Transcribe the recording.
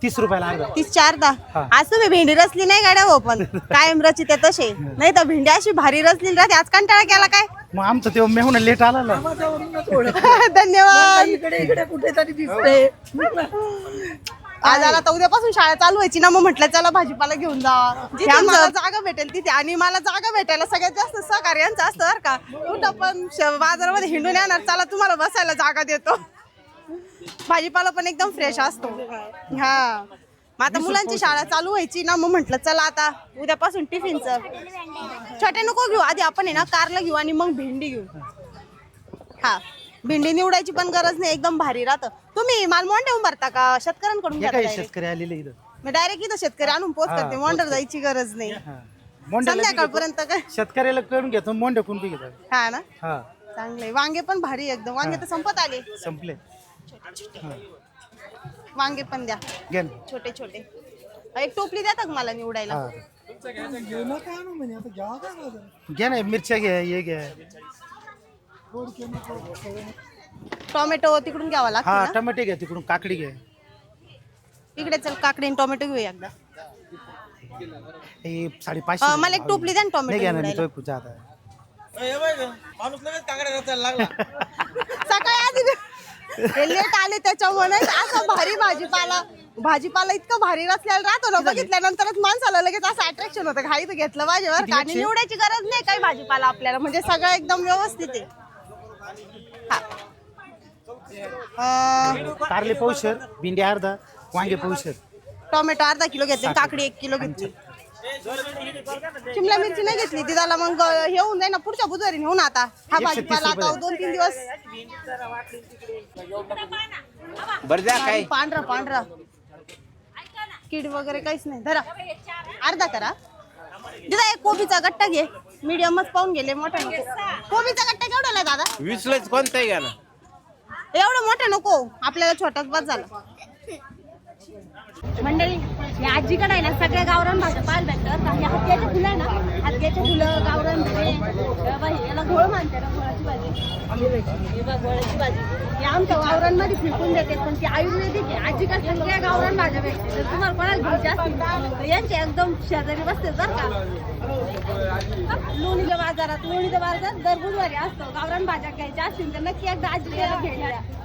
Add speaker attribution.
Speaker 1: 30 रुपयाला अर्धा.
Speaker 2: 30च्या अर्धा.
Speaker 1: हा.
Speaker 2: आज तुम्ही भेंडी रचली नाही गाड्या हो, पण कायम रचित तसे नाही तर भेंडी अशी भारी रचली राहते. आज कंटाळा केला काय?
Speaker 1: मग आमचं ते मेहून लेट आला ना.
Speaker 2: धन्यवाद.
Speaker 3: इकडे कुठेतरी दिसते.
Speaker 2: आज आला तर उद्यापासून शाळा चालू व्हायची ना, मग म्हटलं चला भाजीपाला घेऊन जा. जिथे मला जागा भेटेल तिथे, आणि मला जागा भेटायला सगळ्यात जास्त सहकार्य यांचं असतं बरं का. कुठं पण बाजारामध्ये हिंडून येणार, चला तुम्हाला बसायला जागा देतो. भाजीपाला पण एकदम फ्रेश असतो. हा, मग आता मुलांची शाळा चालू व्हायची ना, मग म्हटलं चला आता उद्यापासून टिफिनचं छोटे नको घेऊ, आधी आपण आहे ना कारला घेऊ आणि मग भेंडी घेऊ. हा, भेंडी निवडायची पण गरज नाही, एकदम भारी राहतं. तुम्ही माल मोंड्याहून भरता का शेतकऱ्यांकडून घेता direct?
Speaker 1: शेतकरी आलेले इथं.
Speaker 2: मी डायरेक्ट इथं शेतकरी आणून पोच करते, मोंडर जायची गरज नाही. संध्याकाळपर्यंत काय
Speaker 1: शेतकऱ्याला करून घेतो, मोंड्या कोण बी घेतो.
Speaker 2: हा ना,
Speaker 1: हा,
Speaker 2: चांगले. वांगे पण भारी एकदम. वांगे तर संपत आले.
Speaker 1: संपले.
Speaker 2: वांगे पण द्या
Speaker 1: घे ना.
Speaker 2: छोटे छोटे. एक टोपली देता का मला निवडायला?
Speaker 1: हा. घे ना, मिरच्या घ्या, हे घ्या.
Speaker 2: टोमॅटो तिकडून घ्यावा लागतो
Speaker 1: हा,
Speaker 2: ना.
Speaker 1: टमाटे घ्या तिकडून, काकडी घ्या.
Speaker 2: इकडे चल, काकडी आणि टोमॅटो घेऊया एकदा.
Speaker 1: हे 550.
Speaker 2: मला एक टोपली द्या ना
Speaker 1: नाही घ्या
Speaker 2: टोमॅटो
Speaker 1: ना, मी
Speaker 2: निवडायला.
Speaker 1: तो पूजा आता.
Speaker 2: सकाळी आधी लेट आले त्याच्यामुळे असं भारी भाजीपाला इतकं भारी रचलेला राहतो ना, बघितल्यानंतरच माणसाला लगेच असं अट्रॅक्शन होतं. घाई तर घेतलं पाहिजे बरं का. आणि निवडायची गरज नाही काही भाजीपाला आपल्याला, म्हणजे सगळं एकदम व्यवस्थित आहे.
Speaker 1: कारले पावशेर, भेंडी अर्धा, वांगे पावशेर.
Speaker 2: टोमॅटो अर्धा किलो घेतले, काकडी 1 किलो घेतली. शिमला मिरची नाही घेतली ती, त्याला मग हे होऊन जाईल ना, पुढच्या बुधवारी नेऊन. आता हा भाजीपाला आता 2-3 दिवस पांढरा कीड वगैरे काहीच नाही. धरा अर्धा करा. दिदा एक कोबीचा गट्टा घे, मीडियमच पाहून गेले, मोठा नको. कोबीचा गट्टा केवढा आहे दादा?
Speaker 4: 20लाच कोणताही घ्या ना.
Speaker 2: एवढं मोठं नको, आपल्याला छोटाच बस झाला. मंडळी, या आजीकडे आहे ना सगळ्या गावरान भाज्या पाहायला भेटतात. आणि हत्याचे फुलं आहे ना, हत्याचे फुलं, गावरान भाजी, याला घोळ मानते ना, घोळाची भाजी. घोळाची भाजी हे आमच्या गावरांमध्ये फिरकून देते, पण ती आयुर्वेदिक आहे. आजीकडे सगळ्या गावरान भाज्या भेटते. जर तुम्हाला कोणाला घ्यायच्या असतील तर यांचे एकदम शेजारी बसते बरं का. लोणीच्या बाजारात दर बुधवारी असतो. गावरान भाज्या घ्यायच्या असतील तर नक्की एकदा आजीला घेऊन द्या.